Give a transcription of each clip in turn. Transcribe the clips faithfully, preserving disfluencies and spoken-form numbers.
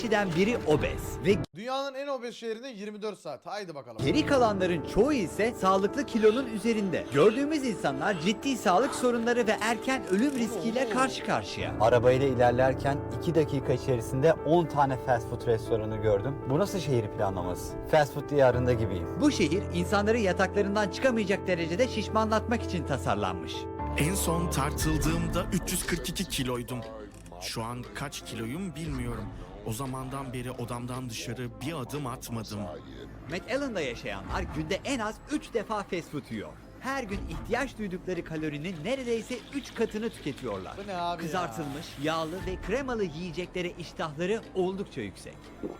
kişiden biri obez ve Dünyanın en obez şehrinde yirmi dört saat. Haydi bakalım. geri kalanların çoğu ise sağlıklı kilonun üzerinde. Gördüğümüz insanlar ciddi sağlık sorunları ve erken ölüm riskiyle karşı karşıya. Arabayla ilerlerken iki dakika içerisinde on tane fast food restoranı gördüm. Bu nasıl şehir planlaması? Fast food diyarında gibiyim. Bu şehir insanları yataklarından çıkamayacak derecede şişmanlatmak için tasarlanmış. En son tartıldığımda üç yüz kırk iki kiloydum. Şu an kaç kiloyum bilmiyorum. O zamandan beri odamdan dışarı bir adım atmadım. McAllen'da yaşayanlar günde en az üç defa fast food yiyor. Her gün ihtiyaç duydukları kalorinin neredeyse üç katını tüketiyorlar. Bu ne abi ya? Kızartılmış, yağlı ve kremalı yiyeceklere iştahları oldukça yüksek.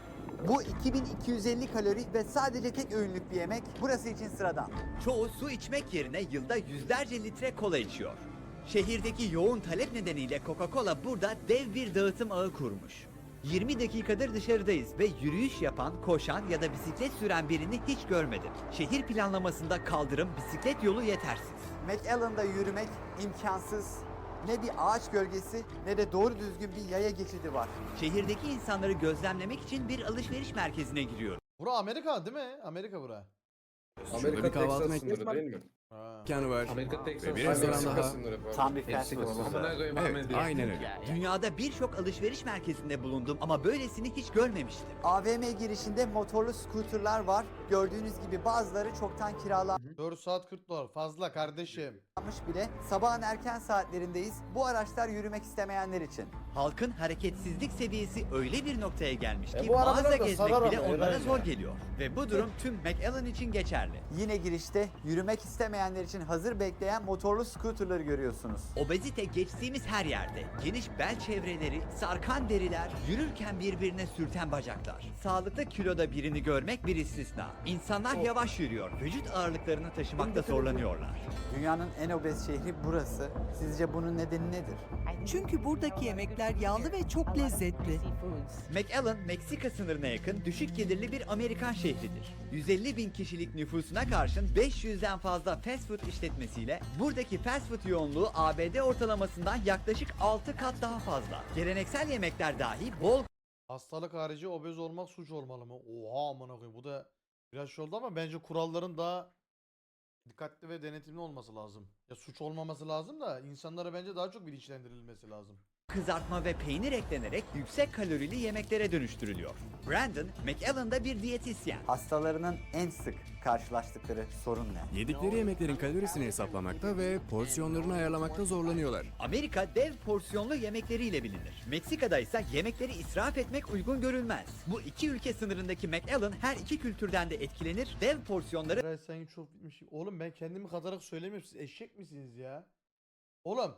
Bu iki bin iki yüz elli kalori ve sadece tek öğünlük bir yemek burası için sıradan. Çoğu su içmek yerine yılda yüzlerce litre kola içiyor. Şehirdeki yoğun talep nedeniyle Coca-Cola burada dev bir dağıtım ağı kurmuş. yirmi dakikadır dışarıdayız ve yürüyüş yapan, koşan ya da bisiklet süren birini hiç görmedim. Şehir planlamasında kaldırım, bisiklet yolu yetersiz. McAllen'da yürümek imkansız. Ne bir ağaç gölgesi ne de doğru düzgün bir yaya geçidi var. Şehirdeki insanları gözlemlemek için bir alışveriş merkezine giriyorum. Bura Amerika değil mi? Amerika bura. Amerika bir kahvaltı Texas mekanı sınırı değil mi? Ha. Mekanı var. Amerika Texas Ve bir Ay, restoran Meksika daha. sınırı pardon. Tam bir fast Meksika food. sınırı. Evet, aynen öyle. Dünyada birçok alışveriş merkezinde bulundum ama böylesini hiç görmemiştim. A V M girişinde motorlu scooterlar var. Gördüğünüz gibi bazıları çoktan kiralanmış dört saat kırk dolar. Fazla kardeşim. bile. Sabahın erken saatlerindeyiz. Bu araçlar yürümek istemeyenler için. Halkın hareketsizlik seviyesi öyle bir noktaya gelmiş E ki bu arabalar mağaza da gezmek sarar bile ama onlara Eren zor ya. geliyor. Ve bu durum tüm McAllen için geçerli. Yine girişte yürümek istemeyenler için hazır bekleyen motorlu scooterları görüyorsunuz. Obezite geçtiğimiz her yerde. Geniş bel çevreleri, sarkan deriler, yürürken birbirine sürten bacaklar. Sağlıklı kiloda birini görmek bir istisna. İnsanlar yavaş yürüyor, vücut ağırlıklarını taşımakta zorlanıyorlar. Dünyanın en obez şehri burası. Sizce bunun nedeni nedir? Çünkü buradaki yemekler yağlı ve çok lezzetli. McAllen, Meksika sınırına yakın düşük gelirli bir Amerikan şehridir. yüz elli bin kişilik nüfusuna karşın beş yüzden fazla fast food işletmesiyle buradaki fast food yoğunluğu A B D ortalamasından yaklaşık altı kat daha fazla. Geleneksel yemekler dahi bol Hastalık harici obez olmak suç olmalı mı? Oha amına koyayım. Bu da biraz şey oldu ama bence kuralların daha dikkatli ve denetimli olması lazım. Ya suç olmaması lazım da insanlara bence daha çok bilinçlendirilmesi lazım. kızartma ve peynir eklenerek yüksek kalorili yemeklere dönüştürülüyor. Brandon, McAllen'da bir diyetisyen. Hastalarının en sık karşılaştıkları sorun ne? Yedikleri yemeklerin kalorisini hesaplamakta ve porsiyonlarını ayarlamakta zorlanıyorlar. Amerika dev porsiyonlu yemekleriyle bilinir. Meksika'da ise yemekleri israf etmek uygun görülmez. Bu iki ülke sınırındaki McAllen her iki kültürden de etkilenir, dev porsiyonları Eray sen çok bitmiş. Oğlum ben kendimi katarak söylemiyorum. Siz eşek misiniz ya? Oğlum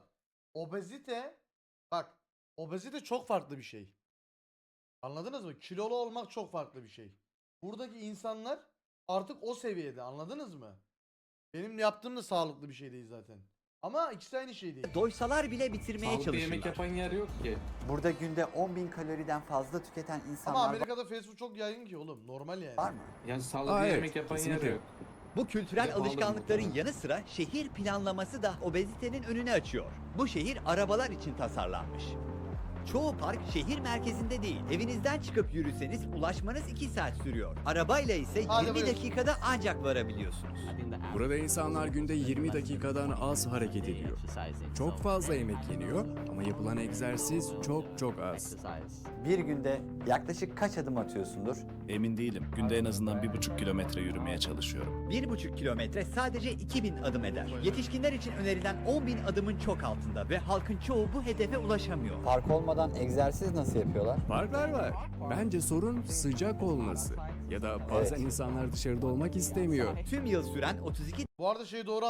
obezite bak obezite çok farklı bir şey. Anladınız mı? Kilolu olmak çok farklı bir şey. Buradaki insanlar artık o seviyede, anladınız mı? Benim yaptığım da sağlıklı bir şey değil zaten. Ama ikisi aynı şey değil. doysalar bile bitirmeye Sağlıklı yemek çalışırlar. yapan yer yok ki. Burada günde on bin kaloriden fazla tüketen Ama insanlar Amerika'da fast food çok yaygın ki oğlum. Normal yani. var mı? Yani sağlıklı Aa, evet, yemek yapan yer kesinlikle. yok. Bu kültürel Yapalım alışkanlıkların bakalım. yanı sıra şehir planlaması da obezitenin önünü açıyor. Bu şehir arabalar için tasarlanmış. Çoğu park şehir merkezinde değil. Evinizden çıkıp yürüseniz ulaşmanız iki saat sürüyor. Arabayla ise Hadi yirmi buyur. dakikada ancak varabiliyorsunuz. Burada insanlar günde yirmi dakikadan az hareket ediyor. Çok fazla yemek yeniyor ama yapılan egzersiz çok çok az. Bir günde yaklaşık kaç adım atıyorsundur? Emin değilim. Günde en azından bir buçuk kilometre yürümeye çalışıyorum. Bir buçuk kilometre sadece iki bin adım eder. Yetişkinler için önerilen on bin adımın çok altında ve halkın çoğu bu hedefe ulaşamıyor. Park olmadan egzersiz nasıl yapıyorlar? Farklar var. Bence sorun sıcak olması. Ya da bazen Evet. insanlar dışarıda olmak istemiyor. Tüm yıl süren otuz iki Bu arada şey doğru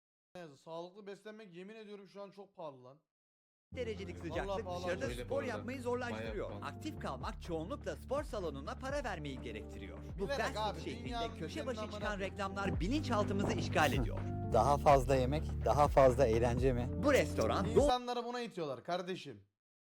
a- Sağlıklı beslenmek yemin ediyorum şu an çok pahalı lan. derecelik Vallahi sıcaklık pahalı. dışarıda Öyle bu spor arada. yapmayı zorlaştırıyor. Bayağı pahalı. Aktif kalmak çoğunlukla spor salonuna para vermeyi gerektiriyor. Bu Bilerek fast abi, food şehrinde dünyanın köşe düzenini başı amına çıkan koyayım. reklamlar bilinçaltımızı işgal ediyor. Daha fazla yemek, daha fazla eğlence mi? Bu restoran doğu İnsanları buna itiyorlar kardeşim.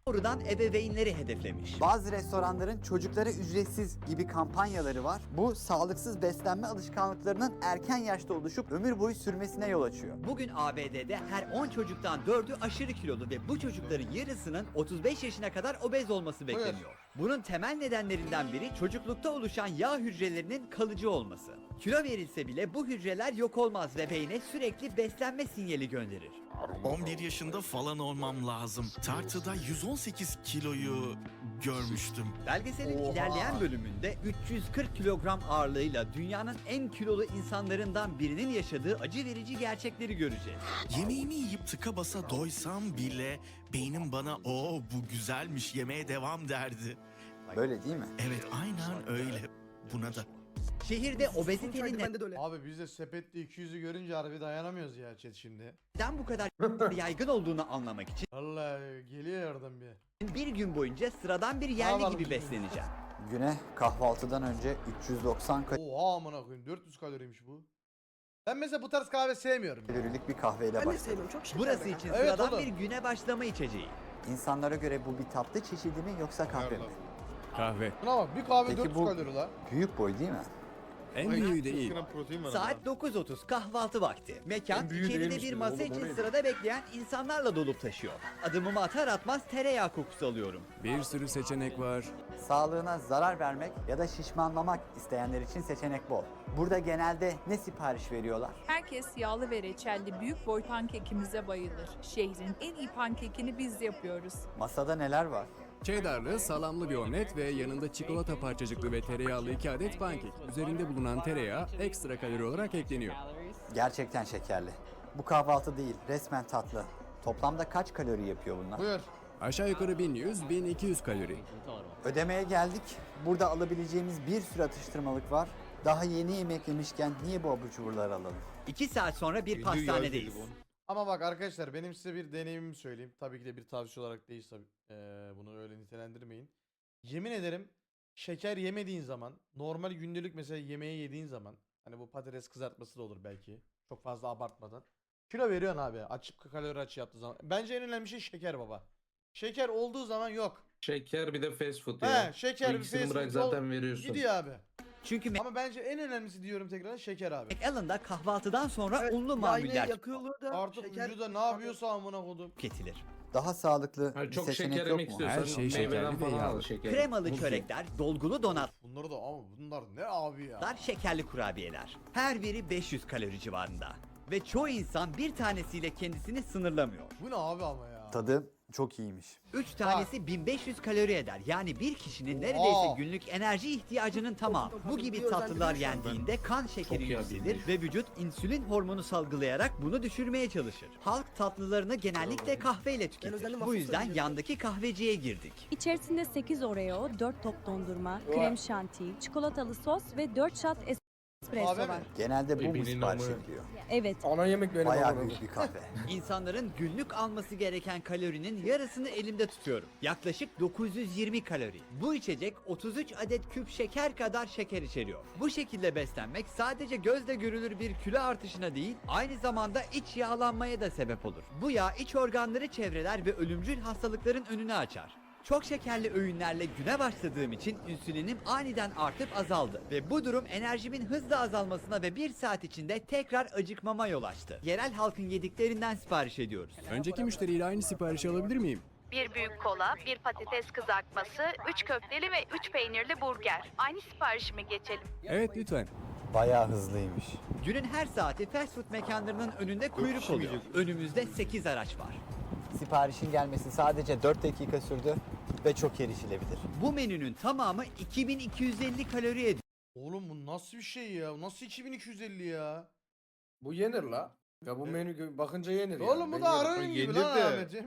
doğrudan ebeveynleri hedeflemiş. Bazı restoranların çocuklara ücretsiz gibi kampanyaları var. Bu sağlıksız beslenme alışkanlıklarının erken yaşta oluşup ömür boyu sürmesine yol açıyor. Bugün A B D'de her on çocuktan dördü aşırı kilolu ve bu çocukların yarısının otuz beş yaşına kadar obez olması bekleniyor. Bunun temel nedenlerinden biri çocuklukta oluşan yağ hücrelerinin kalıcı olması. Kilo verilse bile bu hücreler yok olmaz ve beyne sürekli beslenme sinyali gönderir. on bir yaşında falan olmam lazım. Tartıda yüz on sekiz kiloyu görmüştüm. Belgeselin Oha. ilerleyen bölümünde üç yüz kırk kilogram ağırlığıyla dünyanın en kilolu insanlarından birinin yaşadığı acı verici gerçekleri göreceğiz. Yemeğimi yiyip tıka basa doysam bile beynim bana "Oo bu güzelmiş, yemeye devam" derdi. Böyle değil mi? Evet, aynen öyle. Buna da. Şehirde obezitenin Abi biz de sepette iki yüzü görünce harbi dayanamıyoruz ya chat şimdi. neden bu kadar yaygın olduğunu anlamak için Vallahi geliyor oradan bir. bir gün boyunca sıradan bir yerli Tamam. gibi besleneceğim. Güne kahvaltıdan önce üç yüz doksan Oha amına koyayım dört yüz kaloriymiş bu. Ben mesela bu tarz kahve sevmiyorum. kalorilik bir kahveyle başladım. Burası için Evet, sıradan oğlum. bir güne başlama içeceği. İnsanlara göre bu bir tatlı çeşidi mi yoksa kahve mi? Kahve. Buna bak bir kahve Peki dört yüz bu- kalori la. Büyük boy değil mi? En büyüğü değil. Saat dokuz otuz kahvaltı vakti. Mekan En büyüğü içeride değilmiş bir dedim, masa oğlum, o için neydi? sırada bekleyen insanlarla dolup taşıyor. Adımımı atar atmaz tereyağı kokusu alıyorum. Bir sürü seçenek var. Sağlığına zarar vermek ya da şişmanlamak isteyenler için seçenek bol. Burada genelde ne sipariş veriyorlar? Herkes yağlı ve reçelli büyük boy pankekimize bayılır. Şehrin en iyi pankekini biz yapıyoruz. Masada neler var? Cheddarlı, salamlı bir omlet ve yanında çikolata parçacıklı ve tereyağlı iki adet pankek. Üzerinde bulunan tereyağı ekstra kalori olarak ekleniyor. Gerçekten şekerli. Bu kahvaltı değil, resmen tatlı. Toplamda kaç kalori yapıyor bunlar? Buyur. Aşağı yukarı bin yüz bin iki yüz kalori. Ödemeye geldik. Burada alabileceğimiz bir sürü atıştırmalık var. Daha yeni yemek yemişken niye bu abur cuburları alalım? İki saat sonra bir pastanedeyiz. Ama bak arkadaşlar benim size bir deneyimimi söyleyeyim. Tabii ki de bir tavsiye olarak değil tabii. Ee, bunu öyle nitelendirmeyin. Yemin ederim şeker yemediğin zaman normal gündelik mesela yemeği yediğin zaman hani bu patates kızartması da olur belki. Çok fazla abartmadan. Kilo veriyorsun abi açıp kalori açı yaptığı zaman. Bence en önemli şey şeker baba. Şeker olduğu zaman yok. Şeker bir de fast food ya. He şeker bir İkisini fast bırak food ol- zaten veriyorsun. Gidiyor abi. Çünkü Ama bence en önemlisi diyorum tekrar şeker abi. McAllen'da kahvaltıdan sonra unlu mamuller Artık vücuda ne yapıyorsa amına kodum. tüketilir. Daha sağlıklı Ha, bir çok seçenek şeker yok yemek mu? istiyorsan Her şey meyveden şekerli ve falan al yağlı. şeker. Kremalı Muz çörekler, dolgulu donatlar, Bunları da ama bunlar ne abi ya. şekerli kurabiyeler. Her biri beş yüz kalori civarında. Ve çoğu insan bir tanesiyle kendisini sınırlamıyor. Bu ne abi ama ya. Tadı çok iyiymiş. üç tanesi bin beş yüz kalori eder. Yani bir kişinin Oha. neredeyse günlük enerji ihtiyacının tamamı. Bu gibi tatlılar yendiğinde kan şekeri Çok yükselir yendim. ve vücut insülin hormonu salgılayarak bunu düşürmeye çalışır. Halk tatlılarını genellikle kahveyle tüketir. Bu yüzden yandaki kahveciye girdik. İçerisinde sekiz Oreo, dört top dondurma, krem şanti, çikolatalı sos ve dört shot espresso Kahve mi? var. Genelde bu mu Birbirinin sipariş amı. ediliyor? Evet. Ana yemek benim Bayağı amına. büyük bir kahve. İnsanların günlük alması gereken kalorinin yarısını elimde tutuyorum. Yaklaşık dokuz yüz yirmi kalori. Bu içecek otuz üç adet küp şeker kadar şeker içeriyor. Bu şekilde beslenmek sadece gözle görülür bir kilo artışına değil, aynı zamanda iç yağlanmaya da sebep olur. Bu yağ iç organları çevreler ve ölümcül hastalıkların önünü açar. Çok şekerli öğünlerle güne başladığım için insülinim aniden artıp azaldı ve bu durum enerjimin hızla azalmasına ve bir saat içinde tekrar acıkmama yol açtı. Yerel halkın yediklerinden sipariş ediyoruz. Önceki müşteriyle aynı siparişi alabilir miyim? Bir büyük kola, bir patates kızartması, üç köfteli ve üç peynirli burger. Aynı siparişime geçelim. Evet lütfen. Bayağı hızlıymış. Günün her saati fast food mekanlarının önünde kuyruk oluyor. Önümüzde sekiz araç var. Siparişin gelmesi sadece dört dakika sürdü ve çok erişilebilir. Bu menünün tamamı iki bin iki yüz elli kalori ediyor. Oğlum bu nasıl bir şey ya? Nasıl iki bin iki yüz elli ya? Bu yenir la. Ya bu menü bakınca yenir yani. Oğlum bu Ben da yerim. arayın gibi Yenir lan de. Ahmet'im.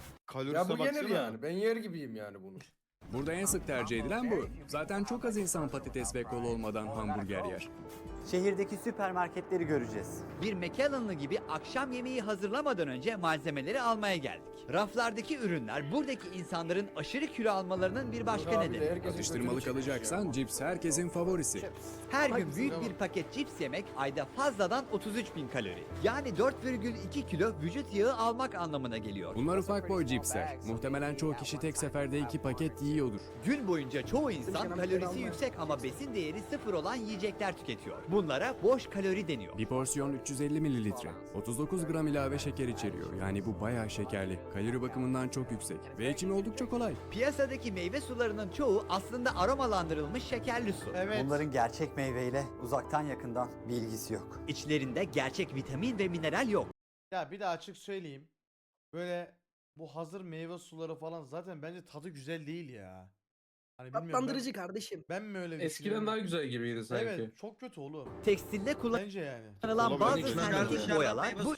Ya bu yenir yani. Ben yer gibiyim yani bunu. Burada en sık tercih edilen bu. Zaten çok az insan patates ve kola olmadan hamburger yer. Şehirdeki süpermarketleri göreceğiz. Bir McAllen'lı gibi akşam yemeği hazırlamadan önce malzemeleri almaya geldik. Raflardaki ürünler buradaki insanların aşırı kilo almalarının bir başka Abi de nedeni. herkesin Atıştırmalık gözünü çekmiş alacaksan ya. cips herkesin favorisi. Her gün Hangisi büyük ama? bir paket cips yemek ayda fazladan otuz üç bin kalori. Yani dört virgül iki kilo vücut yağı almak anlamına geliyor. Bunlar ufak boy cipsler. Muhtemelen çoğu kişi tek seferde iki paket yiyordur. Gün boyunca çoğu insan kalorisi yüksek ama besin değeri sıfır olan yiyecekler tüketiyor. Bunlara boş kalori deniyor. Bir porsiyon üç yüz elli mililitre. otuz dokuz gram ilave şeker içeriyor. Yani bu bayağı şekerli. Kalori bakımından çok yüksek. Ve içimi oldukça kolay. Piyasadaki meyve sularının çoğu aslında aromalandırılmış şekerli su. Evet. Bunların gerçek meyveyle uzaktan yakından bir ilgisi yok. İçlerinde gerçek vitamin ve mineral yok. Ya bir de açık söyleyeyim. Böyle bu hazır meyve suları falan zaten bence tadı güzel değil ya. Hani bilmiyorum Tatlandırıcı ben, kardeşim. ben mi öyle Eskiden düşünüyorum? daha güzel gibiydi sanki. Evet çok kötü oğlum. Tekstilde Bence yani. kullanılan bazı sentetik boyalar bu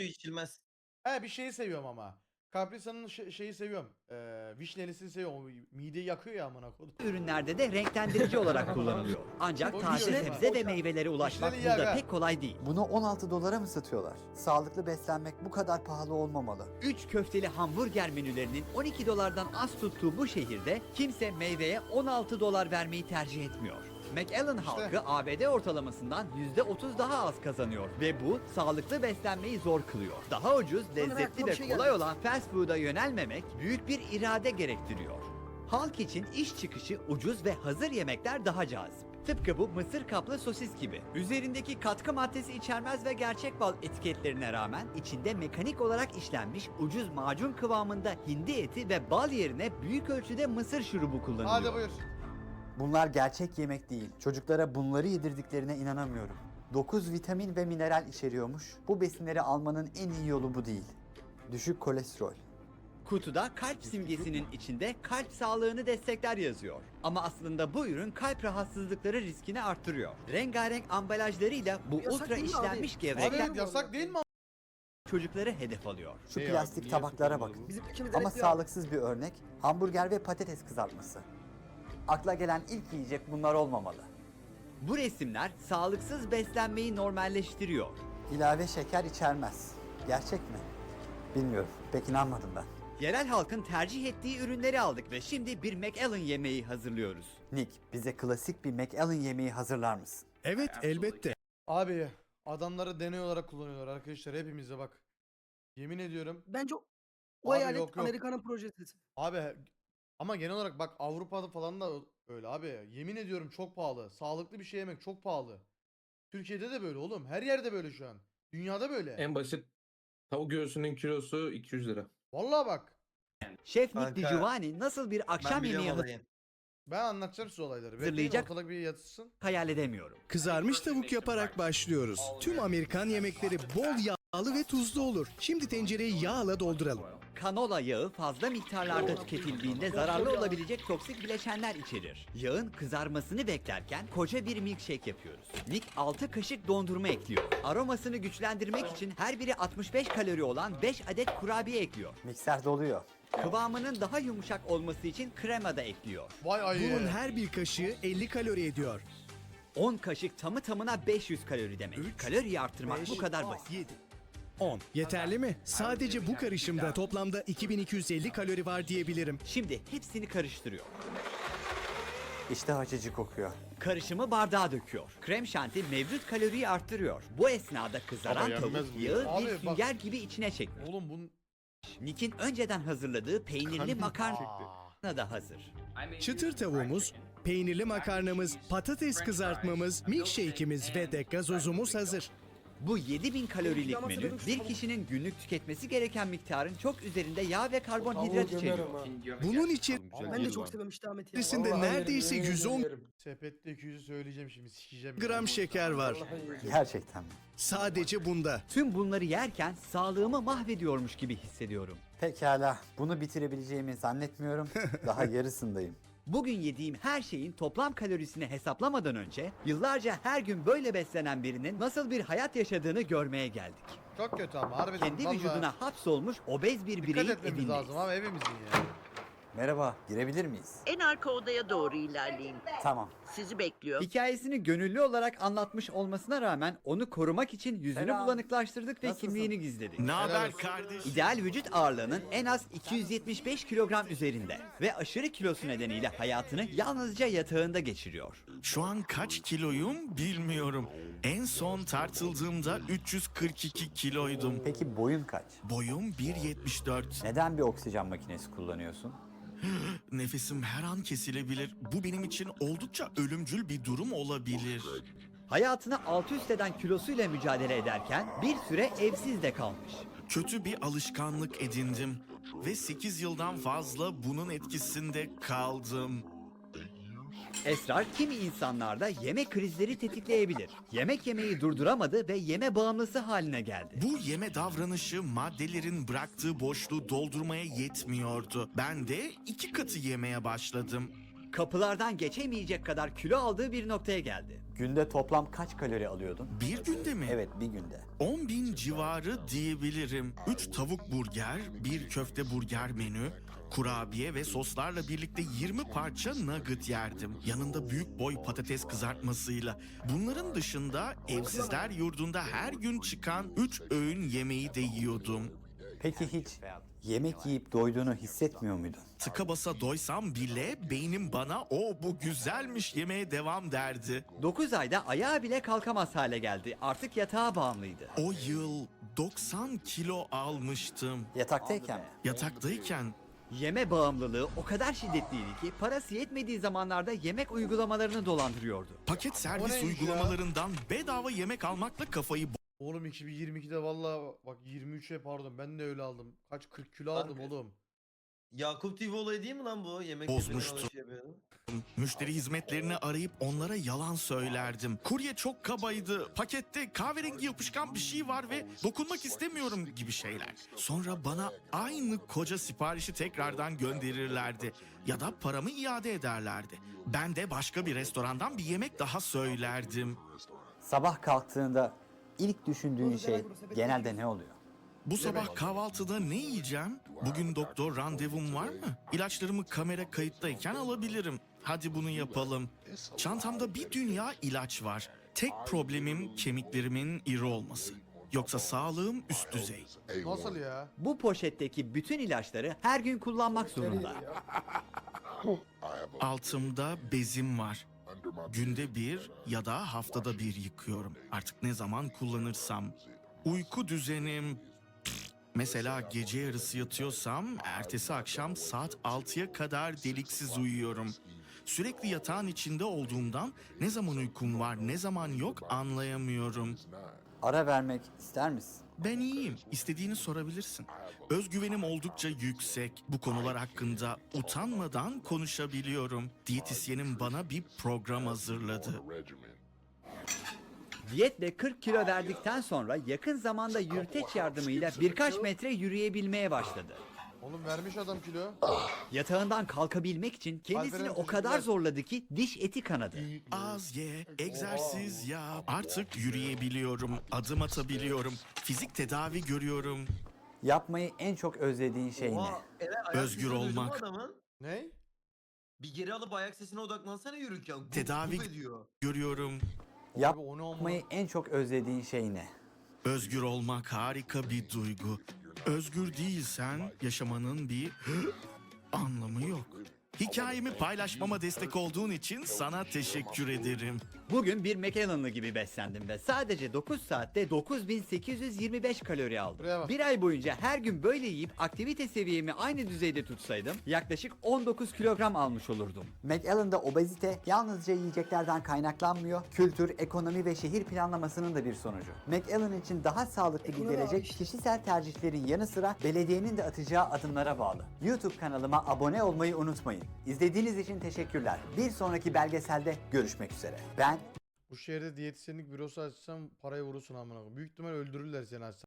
He bir şeyi seviyorum ama. Caprisa'nın şey- şeyi seviyorum. Ee, vişnelisini seviyorum. O mideyi yakıyor ya amına koydum. ürünlerde de renklendirici olarak kullanılıyor. Ancak Çok taze yiyorum sebze ha. ve meyvelere ulaşmak İşleri yer burada ha. pek kolay değil. Bunu on altı dolara mı satıyorlar? Sağlıklı beslenmek bu kadar pahalı olmamalı. üç köfteli hamburger menülerinin on iki dolardan az tuttuğu bu şehirde kimse meyveye on altı dolar vermeyi tercih etmiyor. McAllen halkı A B D ortalamasından yüzde otuz daha az kazanıyor ve bu sağlıklı beslenmeyi zor kılıyor. Daha ucuz, lezzetli aklıma ve bir şey kolay geldi. olan fast food'a yönelmemek büyük bir irade gerektiriyor. Halk için iş çıkışı ucuz ve hazır yemekler daha cazip. Tıpkı bu mısır kaplı sosis gibi. Üzerindeki katkı maddesi içermez ve gerçek bal etiketlerine rağmen içinde mekanik olarak işlenmiş ucuz macun kıvamında hindi eti ve bal yerine büyük ölçüde mısır şurubu kullanılıyor. Hadi buyur. Bunlar gerçek yemek değil. Çocuklara bunları yedirdiklerine inanamıyorum. dokuz vitamin ve mineral içeriyormuş. Bu besinleri almanın en iyi yolu bu değil. Düşük kolesterol. Kutuda kalp simgesinin içinde kalp sağlığını destekler yazıyor. Ama aslında bu ürün kalp rahatsızlıkları riskini arttırıyor. Rengarenk ambalajlarıyla bu Yasak ultra değil mi işlenmiş abi? gevrekler Abi yasak değil mi? çocukları hedef alıyor. Şu Ne ya, plastik niye tabaklara sokulmadı bakın. Bizim ikimiz Ama sağlıksız bir örnek hamburger ve patates kızartması. Akla gelen ilk yiyecek bunlar olmamalı. Bu resimler sağlıksız beslenmeyi normalleştiriyor. İlave şeker içermez. Gerçek mi? Bilmiyorum. Pek inanmadım ben. Yerel halkın tercih ettiği ürünleri aldık ve şimdi bir McAllen yemeği hazırlıyoruz. Nick, bize klasik bir McAllen yemeği hazırlar mısın? Evet, elbette. Abi adamları deney olarak kullanıyorlar arkadaşlar hepimize bak. Yemin ediyorum. Bence o, o Abi eyalet yok, yok. Amerika'nın projesi. Abi ama genel olarak bak Avrupa'da falan da öyle abi. Yemin ediyorum çok pahalı. Sağlıklı bir şey yemek çok pahalı. Türkiye'de de böyle oğlum. Her yerde böyle şu an. Dünyada böyle. En basit tavuk göğsünün kilosu iki yüz lira. Vallahi bak. Şef Nick DiGiovanni nasıl bir akşam yemeği Ben anlatacağım size olayları. Bekleyin Hazırlayacak- ortalık bir yatsın. hayal edemiyorum. Kızarmış tavuk yaparak başlıyoruz. Tüm Amerikan yemekleri bol yağlı ve tuzlu olur. Şimdi tencereyi yağla dolduralım. Kanola yağı fazla miktarlarda tüketildiğinde zararlı olabilecek toksik bileşenler içerir. Yağın kızarmasını beklerken koca bir milkshake yapıyoruz. Nick altı kaşık dondurma ekliyor. Aromasını güçlendirmek için her biri altmış beş kalori olan beş adet kurabiye ekliyor. Mikser doluyor. Kıvamının daha yumuşak olması için krema da ekliyor. Vay ayı. Bunun her bir kaşığı elli kalori ediyor. on kaşık tamı tamına beş yüz kalori demek. Üç, Kaloriyi arttırmak beş, bu kadar basit. yedi, on. Yeterli mi? Sadece bu karışımda toplamda iki bin iki yüz elli kalori var diyebilirim. Şimdi hepsini karıştırıyor. İşte açıcı kokuyor. Karışımı bardağa döküyor. Krem şanti mevcut kaloriyi arttırıyor. Bu esnada kızaran Ama yenmez tavuk bu yağı ya. Abi bir bak- sünger gibi içine çekmiyor. Oğlum bunun... Nick'in önceden hazırladığı peynirli makarna Aa. da hazır. Çıtır tavuğumuz, peynirli makarnamız, patates kızartmamız, milkshake'imiz ve de gazozumuz hazır. Bu yedi bin kalorilik menü bir kişinin günlük tüketmesi gereken miktarın çok üzerinde yağ ve karbonhidrat içeriyor. Bunun için Ben de çok seviyorum Ahmet ya. içerisinde Vallahi neredeyse yerim, yüz on yemin ederim. Sepette iki yüzü söyleyeceğim şimdi sikeceğim. gram şeker var. Gerçekten mi? Sadece bunda. Tüm bunları yerken sağlığımı mahvediyormuş gibi hissediyorum. Pekala. Bunu bitirebileceğimi zannetmiyorum. Daha yarısındayım. Bugün yediğim her şeyin toplam kalorisini hesaplamadan önce yıllarca her gün böyle beslenen birinin nasıl bir hayat yaşadığını görmeye geldik. Çok kötü ama harbiden. Kendi vallahi. vücuduna hapsolmuş obez bir Dikkat bireyin etmemiz evindeyiz. lazım abi hepimizin ya. Merhaba, girebilir miyiz? En arka odaya doğru ilerleyin. Tamam. Sizi bekliyor. Hikayesini gönüllü olarak anlatmış olmasına rağmen onu korumak için yüzünü Selam. bulanıklaştırdık ve Nasılsın? kimliğini gizledik. Ne haber olsun. kardeş? İdeal vücut ağırlığının en az iki yüz yetmiş beş kilogram üzerinde ve aşırı kilosu nedeniyle hayatını yalnızca yatağında geçiriyor. Şu an kaç kiloyum bilmiyorum. En son tartıldığımda üç yüz kırk iki kiloydum. Peki boyun kaç? Boyum bir yetmiş dört. Neden bir oksijen makinesi kullanıyorsun? Nefesim her an kesilebilir. Bu benim için oldukça ölümcül bir durum olabilir. Hayatını alt üst eden kilosuyla mücadele ederken bir süre evsiz de kalmış. Kötü bir alışkanlık edindim ve sekiz yıldan fazla bunun etkisinde kaldım. Esrar kimi insanlarda yeme krizleri tetikleyebilir. Yemek yemeyi durduramadı ve yeme bağımlısı haline geldi. Bu yeme davranışı maddelerin bıraktığı boşluğu doldurmaya yetmiyordu. Ben de iki katı yemeye başladım. Kapılardan geçemeyecek kadar kilo aldığı bir noktaya geldi. Günde toplam kaç kalori alıyordun? Bir günde mi? Evet, bir günde. on bin civarı diyebilirim. üç tavuk burger, bir köfte burger menü, kurabiye ve soslarla birlikte yirmi parça nugget yerdim. Yanında büyük boy patates kızartmasıyla. Bunların dışında evsizler yurdunda her gün çıkan üç öğün yemeği de yiyordum. Peki hiç yemek yiyip doyduğunu hissetmiyor muydun? Tıka basa doysam bile beynim bana o bu güzelmiş yemeye devam derdi. dokuz ayda ayağa bile kalkamaz hale geldi. Artık yatağa bağımlıydı. O yıl doksan kilo almıştım. Yataktayken mi? Yataktayken Yeme bağımlılığı o kadar şiddetliydi ki parası yetmediği zamanlarda yemek uygulamalarını dolandırıyordu. paket O servis neymiş ya? uygulamalarından bedava yemek almakla kafayı Oğlum iki bin yirmi ikide valla bak yirmi üçe pardon ben de öyle aldım. Kaç kırk kilo aldım oğlum. Yakup T V olayı değil mi lan bu? Yemek Bozmuştum. yemeden alış yapıyordum. müşteri hizmetlerini arayıp onlara yalan söylerdim. Kurye çok kabaydı. Pakette kahverengi yapışkan bir şey var ve dokunmak istemiyorum gibi şeyler. Sonra bana aynı koca siparişi tekrardan gönderirlerdi. Ya da paramı iade ederlerdi. Ben de başka bir restorandan bir yemek daha söylerdim. Sabah kalktığında ilk düşündüğün şey genelde ne oluyor? Bu sabah kahvaltıda ne yiyeceğim? Bugün doktor randevum var mı? İlaçlarımı kamera kayıttayken alabilirim. Hadi bunu yapalım. Çantamda bir dünya ilaç var. Tek problemim kemiklerimin iri olması. Yoksa sağlığım üst düzey. Nasıl ya? Bu poşetteki bütün ilaçları her gün kullanmak zorunda. Altımda bezim var. Günde bir ya da haftada bir yıkıyorum. Artık ne zaman kullanırsam. Uyku düzenim... Mesela gece yarısı yatıyorsam ertesi akşam saat altıya kadar deliksiz uyuyorum. Sürekli yatağın içinde olduğumdan ne zaman uykum var ne zaman yok anlayamıyorum. Ara vermek ister misin? Ben iyiyim. İstediğini sorabilirsin. Özgüvenim oldukça yüksek. Bu konular hakkında utanmadan konuşabiliyorum. Diyetisyenim bana bir program hazırladı. Diyetle kırk kilo verdikten sonra yakın zamanda yürüteç yardımıyla birkaç metre yürüyebilmeye başladı. Oğlum vermiş adam kilo. Yatağından kalkabilmek için kendisini Alperen, o kadar teşekkürler. zorladı ki diş eti kanadı. Az ye, egzersiz yap. Artık yürüyebiliyorum, adım atabiliyorum, fizik tedavi görüyorum. Yapmayı en çok özlediğin şey ne? Oha, Eren, ayak Özgür sesini duydun mu olmak. adamın? Ne? Bir geri alıp ayak sesine odaklansana yürürken. Guf Tedavi- guf ediyor. Görüyorum. Abi o ne ama? Yapmayı en çok özlediğin şey ne? Özgür olmak harika bir duygu. Özgür değilsen yaşamanın bir anlamı yok. Hikayemi paylaşmama destek olduğun için sana teşekkür ederim. Bugün bir McAllen'lı gibi beslendim ve sadece dokuz saatte dokuz bin sekiz yüz yirmi beş kalori aldım. Buraya bak. Bir ay boyunca her gün böyle yiyip aktivite seviyemi aynı düzeyde tutsaydım yaklaşık on dokuz kilogram almış olurdum. McAllen'da obezite yalnızca yiyeceklerden kaynaklanmıyor, kültür, ekonomi ve şehir planlamasının da bir sonucu. McAllen için daha sağlıklı bir gelecek kişisel tercihlerin yanı sıra belediyenin de atacağı adımlara bağlı. YouTube kanalıma abone olmayı unutmayın. İzlediğiniz için teşekkürler. Bir sonraki belgeselde görüşmek üzere. Ben Bu şehirde diyetisyenlik bürosu açsam parayı vurursun amına koyayım. Büyük ihtimal öldürürler seni açsam.